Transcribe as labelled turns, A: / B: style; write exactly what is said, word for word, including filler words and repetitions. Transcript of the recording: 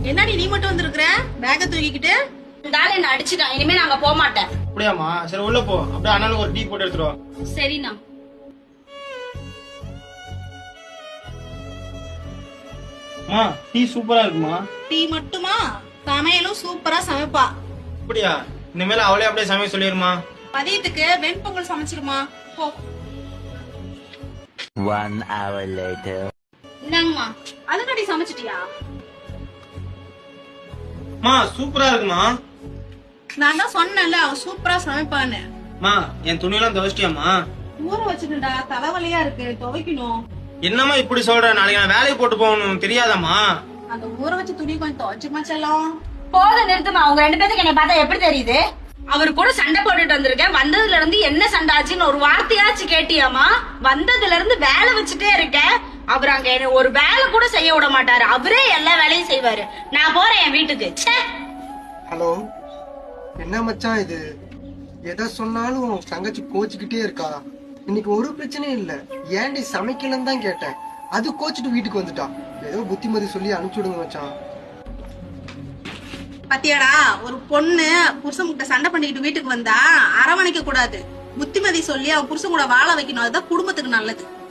A: என்னடி நீ மட்டும் வந்திருக்கிற பேக்க தூக்கிக்கிட்டு?
B: இந்த ஆளு என்ன அடிச்சுட்டான், இனிமே நாங்க போக மாட்டேன்.
C: அப்படியாமா? சரி உள்ள போ, அப்படியே அண்ணனுக்கு ஒரு டீ போட்டு எடுத்துருவா.
B: சரிண்ணா.
C: அம்மா டீ சூப்பரா இருக்குமா?
A: டீ மட்டுமா? சமையலும் சூப்பரா சமைப்பா.
C: அப்படியா? இனிமேல அவளே அப்படியே சமைக்க சொல்லிருமா.
A: மதியத்துக்கு வெண்பொங்கல் சமைச்சிருமா. போ.
D: One hour later.
B: இந்தாங்கம்மா.
A: அதுக்கடி சமைச்சிட்டியா?
C: அம்மா சூப்பரா இருக்குமா?
A: நான் தான் சொன்னேன்ல அவ சூப்பரா சமைப்பான்னு.
C: அம்மா என் துணியெல்லாம் துவைச்சிட்டியாம்மா?
A: ஊற வச்சுட்டா, தலைவலியா இருக்கு, துவைக்கணும்.
C: என்னம்மா இப்படி சொல்ற? நாளைக்கு நான் வேலைக்கு போட்டு போகணும் தெரியாதம்மா?
A: அந்த ஊற வச்ச துணி கொஞ்சம் துவைச்சுமா செல்லம்.
B: போத நிறுத்துமா, அவங்க ரெண்டு பேருக்கு என்னை பார்த்தா எப்படி தெரியுது? அவர் கூட சண்டை போட்டுட்டு வந்திருக்கேன். வந்ததுல இருந்து என்ன சண்டை ஆச்சுன்னு ஒரு வார்த்தையாச்சு கேட்டியாமா? வந்ததுல இருந்து வேலை வச்சுட்டே இருக்கேன். அவர் அங்க என்ன ஒரு வேலை கூட செய்ய விட மாட்டாரு. அவரே எல்லா வேலையும் செய்வாரு. நான் போறேன் என் வீட்டுக்கு. ச்சே.
E: ஹலோ, என்ன மச்சான் இது? எதை சொன்னாலும் தங்கச்சி கோச்சுக்கிட்டே இருக்கா. இன்னைக்கு ஒரு பிரச்சனையும் இல்ல, ஏன்டி சமைக்கலன்னு தான் கேட்டேன். அது கோச்சிட்டு வீட்டுக்கு வந்துட்டா. ஏதோ புத்திமதி சொல்லி அனுப்பிச்சு விடுங்க மச்சான்.
A: பத்தியாடா, ஒரு பொண்ணு புருஷன் கிட்ட சண்டை பண்ணிக்கிட்டு வீட்டுக்கு வந்தா அரவணைக்க கூடாது. புத்திமதி சொல்லி அவன் புருஷன் கூட வாழ வைக்கணும். அதுதான் குடும்பத்துக்கு நல்லது.